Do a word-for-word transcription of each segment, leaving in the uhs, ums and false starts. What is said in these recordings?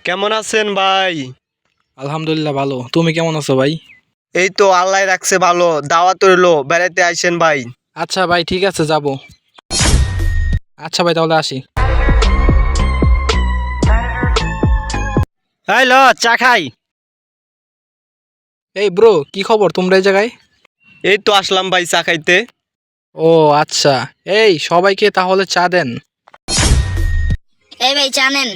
কেমন আছেন ভাই? আলহামদুলিল্লাহ ভালো। তুমি কেমন আছো ভাই? এই তো আল্লাহ রাখছে ভালো। দাওয়াত রইলো, বেড়াইতে আইসেন ভাই। আচ্ছা ভাই, ঠিক আছে, যাব। আচ্ছা ভাই, তাহলে আসি। এই ল চা খাই। এই ব্রো, কি খবর তোমরা এই জায়গায়? এই তো আসলাম ভাই চা খাইতে। ও আচ্ছা, এই সবাইকে তাহলে চা দেন। এই ভাই চা নেন।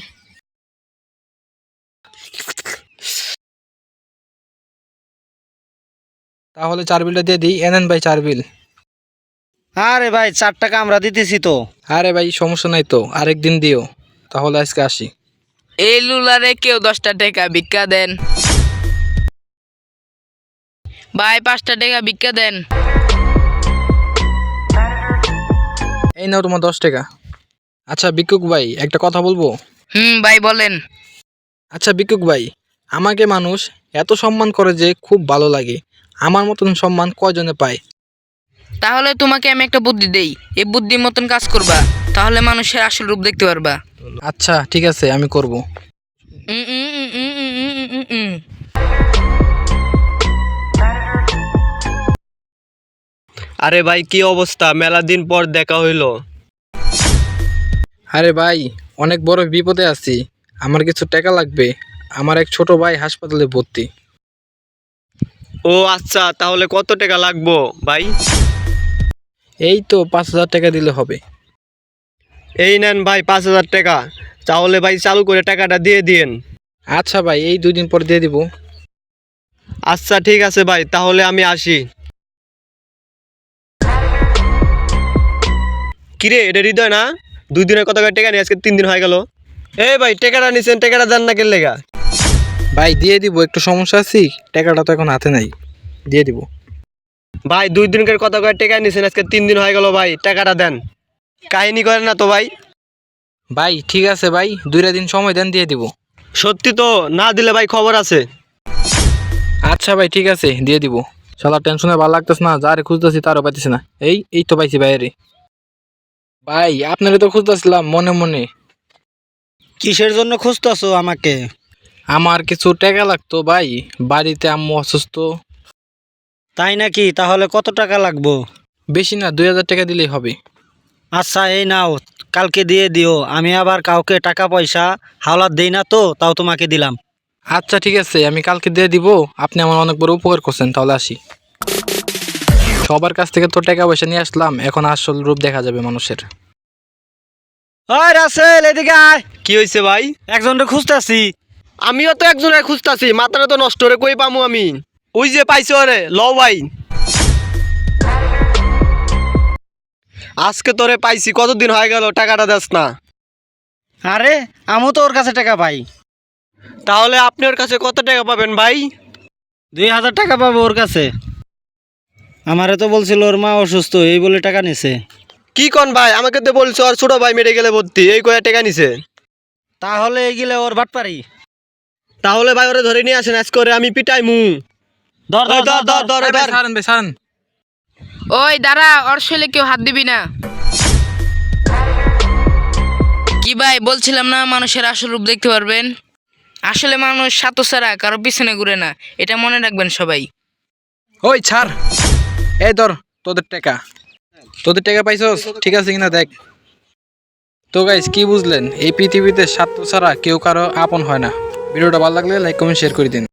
তাহলে চার বিলটা দিয়ে দিই। এনেন ভাই চার বিল। আরে ভাই চার টাকা আমরা দিতেছি তো। আরে ভাই সমস্যা নাই তো, আরেকদিন দিও। তাহলে আজকে আসি। এই লুলারে কেউ দশটা টাকা ভিক্ষা দেন। ভাই পাঁচটা টাকা ভিক্ষা দেন। এই নাও তোমার দশ টাকা। আচ্ছা ভিক্ষুক ভাই, একটা কথা বলবো? হুম ভাই বলেন। আচ্ছা ভিক্ষুক ভাই, আমাকে মানুষ এত সম্মান করে যে খুব ভালো লাগে। আমার মতন সম্মান কয়জনে পায়? তাহলে তোমাকে আমি একটা বুদ্ধি দেই, এই বুদ্ধির মতন কাজ করবা, তাহলে মানুষের আসল রূপ দেখতে পারবা। আচ্ছা ঠিক আছে, আমি করব। উম, উম, উম, উম, উম, উম, উম, উম। আরে ভাই কি অবস্থা, মেলা দিন পর দেখা হইলো। আরে ভাই, অনেক বড় বিপদে আছি। আমার কিছু টাকা লাগবে। আমার এক ছোট ভাই হাসপাতালে ভর্তি। ও আচ্ছা, তাহলে কত টাকা লাগবো ভাই? এই তো পাঁচ হাজার টাকা দিলে হবে। এই নেন ভাই পাঁচ হাজার টাকা। তাহলে ভাই চালু করে টাকাটা দিয়ে দিয়েন। আচ্ছা ভাই, এই দুই দিন পর দিয়ে দিব। আচ্ছা ঠিক আছে ভাই, তাহলে আমি আসি। কিরে, এটা হৃদয় না? দুই দিনের কত করে টাকা নিয়ে আজকে তিন দিন হয়ে গেল। এই ভাই টাকাটা নিছেন, টাকাটা দেন না কেন লেগা? ভাই দিয়ে দিব, একটু সমস্যা আছি। টাকাটা তো এখন হাতে নাই, দিয়ে দিব। ভাই দুই দিনকার কত করে টাকা নিছেন, আজকে তিন দিন হয়ে গেল ভাই, টাকাটা দেন। কাহিনী করেন না তো ভাই। ভাই ঠিক আছে ভাই, দুইটা দিন সময় দেন, দিয়ে দিব। সত্যি তো? না দিলে ভাই খবর আছে। আচ্ছা ভাই ঠিক আছে, দিয়ে দিব। শালা টেনশনে ভালো লাগতেছে না, যারে খুঁজতেছি তারও পাইতেছি না। এই এই তো পাইছি বাইরে। ভাই আপনারা তো খুঁজতেছিলাম মনে মনে। কিসের জন্য খুঁজতেছো আমাকে? আমার কিছু টাকা লাগতো ভাই, বাড়িতে আম্মু অসুস্থ। তাই নাকি? তাহলে কত টাকা লাগবো? বেশি না, দুই হাজার টাকা দিলেই হবে। আচ্ছা এই নাও, কালকে দিয়ে দিও। আমি আবার কাউকে টাকা পয়সা হাওলাত দেই না তো, তাও তোমাকে দিলাম। আচ্ছা ঠিক আছে, আমি কালকে দিয়ে দিব। আপনি আমার অনেক বড় উপকার করছেন, তাহলে আসি। সবার কাছ থেকে তো টাকা পয়সা নিয়ে আসলাম, এখন আসল রূপ দেখা যাবে মানুষের। ওই রাসেল, এদিকে আয়। কি হয়েছে ভাই? একজনকে খুঁজতেছি। আমিও তো একজনের খুঁজতাছি, মাথাটা তো নষ্ট রে, কই পামু আমি? ওই যে পাইছো রে, লও ভাই। আজকে তোরে পাইছি, কতদিন হয়ে গেল টাকাটা দেস না। আরে আমিও তো ওর কাছে টাকা পাই। তাহলে আপনি ওর কাছে কত টাকা পাবেন ভাই? দুই হাজার টাকা পাবো ওর কাছে। আমারে তো বলছিল ওর মা অসুস্থ, এই বলে টাকা নিছে। কি কন ভাই, আমাকে তো বলছো আর ছোট ভাই মেডিকেলে ভর্তি, এই কয়া টাকা নিছে। তাহলে এগিলে ওর বাটপারি। তাহলে ভাই ওরে ধরে নিয়ে আসেন, আজ করে আমি পিটাই মু। ধর ধর ধর ধর ধর ভাই, ধর। ছাড়েন ভাই, ছাড়েন। ওই দাঁড়া, ওর শৈলে কেউ হাত দিবি না। কি ভাই বলছিলাম না, মানুষের আসল রূপ দেখতে পারবেন। আসলে মানুষ সাতো ছাড়া কারো পিছনে ঘুরে না, এটা মনে রাখবেন সবাই। ওই ছাড়। এই ধর তোদের টাকা। তোদের টাকা পাইছস, ঠিক আছে কিনা দেখ। তো গাইস, কি বুঝলেন? এই পৃথিবীতে স্বার্থ ছাড়া কেউ কারো আপন হয় না। ভিডিওটা ভালো লাগলে লাইক কমেন্ট শেয়ার করে দিন।